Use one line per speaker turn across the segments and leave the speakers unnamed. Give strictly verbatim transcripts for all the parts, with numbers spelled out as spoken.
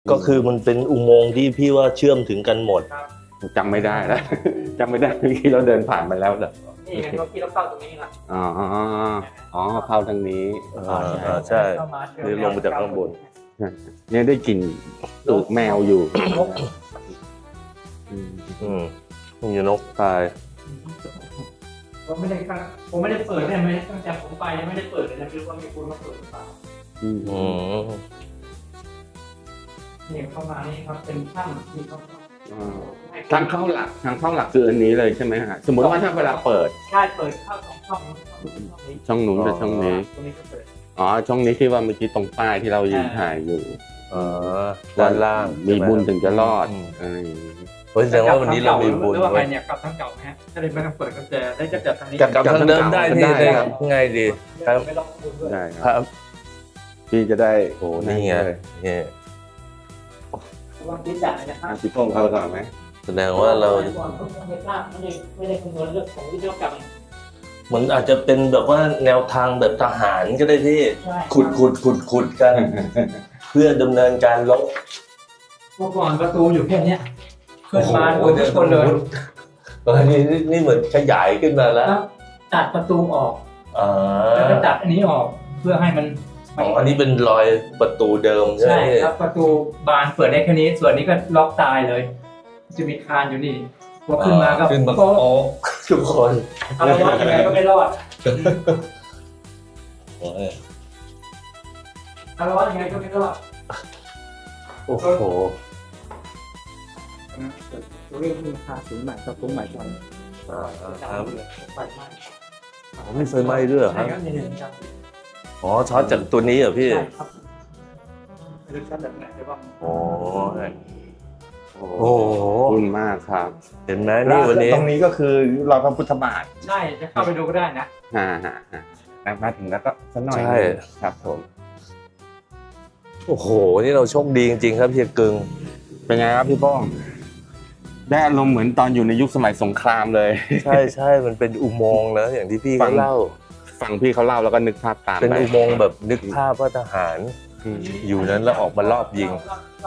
ก็คือมันเป็นอุโมงค์ที่พี่ว่าเชื่อมถึงกันหมด
จำไม่ได้แล้วจำไม่ได้เมื่อกี้เราเดินผ่านมาแล้วเหรอ
นี่ไงเมื่อกี้เราเข้าตรงนี้ละ
อ๋ออ๋อเข้าทางนี้
อ่าใช่นี่ลงมาจากข้างบน
เนี่ยได้กลิ่นอึแมวอยู่
อืมมีนกตาย
ผมไม่ได้ผมไม่ได้เปิดเนี่ยไม่ตั้งแต่ผมไปยังไม่ได้เปิดเลยนะไม่รู้ว่ามีคนมาเปิดหรือเปล่า
อืม
เนี่ยเข้ามานี่ครับเป็นช่างที่เขา
ทางเข้าหลักทางเข้าหลักคืออันนี้เลยใช่ไหมฮะสมมติว่าถ้าเวลาเปิด
ใช่เปิดเข้าสองช่อง
ช่องนู้นกับช่องนี้อ๋อช่องนี้ที่ว่าเมื่อกี้ตรงป้ายที่เรายืนถ่ายอยู่
อ๋อด้านล่าง
มีบุญถึงจะรอดอะไรอย่างนี้
เพราะแสดงว่าวันนี้เรามีบุญ
หรือว่าใครเนี่ยกลับทางเก่าไหมฮะถ้าเลยไม่ต้องเปิดก็จะได้จะจับทางนี้
กลับทางเดิมได้ที่ได้ครับง่ายดี
ครับ
ได้ครับพี่จะได้
โอ้นี่ไงนี่
วางที่จ่ายนะครับ
พี่พงศ์เอาก่อนไหม
แสดงว่าเรา
ไม่ได้ไม่ได้คำนวณเรื่องของวิศวกรรม
เหมือนอาจจะเป็นแบบว่าแนวทางแบบทหารก็ได้ที่ขุดขุดขุดขุดกันเพื่อดำเนินการลบ
เมื่อก่อนประตูอยู่แค่นี้ขึ้นมาโดนทุกคนเลย
ตอนนี้นี่เหมือนขยายขึ้นมาแล้ว
ตัดประตูออกแล้วก็ตัดอันนี้ออกเพื่อให้มัน
อ๋ออันนี้เป็นรอยประตูเดิมใช่ไหม
ใช่ครับประตูบานเปิดได้แค่นี้ส่วนนี้ก็ล็อกตายเลยจะมีคานอยู่นี่พอขึ้นมาก็
ขึ้นมาโป๊ะทุกคน
เอาละว่ายังไงก็ไม่รอดเอาละว่ายังไงก็ไม่รอด
โอ้โห
ตัวเรื่องมีคาสูงใหม่กับสูงใหม่กัน
อ่าครับ
ไฟไหม้
อ๋อไม่ไฟไหม้ด้วยครับอ๋อช็อตจากตัวนี้เหรอพี่
ใช่ครับหรือช็อตแบบไหนได้บ้าง
โอ้
โอ้โหขอบคุณมากครับ
เห็นไหมนี่วันนี้
ตรงนี้ก็คือรอยพระพุทธบาท
ใช่จะเข้าไปดูก็ได้นะ
ฮ่าฮ่าฮ่ามาถึงแล้วก็สักหน่อย
ใช่
ครับผม
โอ้โหนี่เราโชคดีจริงๆครับเฮียกึ่ง
เป็นไงครับพี่ป้องได้อารมณ์เหมือนตอนอยู่ในยุคสมัยสงครามเลย
ใช่ใช่มันเป็นอุโมงค์นะอย่างที่พี่เขาเล่า
ฟังพี่เขาเล่าแล้วก็นึกภาพตาม
เป็นอุโมงค์แบบนึกภาพว่าทหารอยู่นั้นแล้วออกมารอบยิง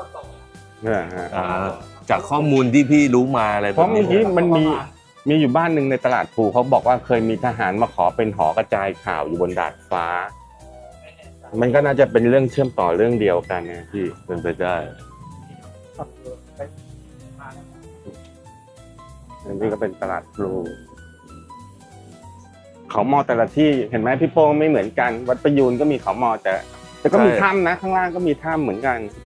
จากข้อมูลที่พี่รู้มาอะไร
เพราะเมื่อกี้มันมีมีอยู่บ้านหนึ่งในตลาดภูเขาบอกว่าเคยมีทหารมาขอเป็นหอกระจายข่าวอยู่บนดาดฟ้ามันก็น่าจะเป็นเรื่องเชื่อมต่อเรื่องเดียวกันนะพี่
เป็นไปได้
อันนี้ก็เป็นตลาดพลูเขามอแต่ละที่เห็นไหมพี่โป้งไม่เหมือนกันวัดประยูนก็มีเขามอแต่แต่ก็มีถ้ำนะข้างล่างก็มีถ้ำเหมือนกัน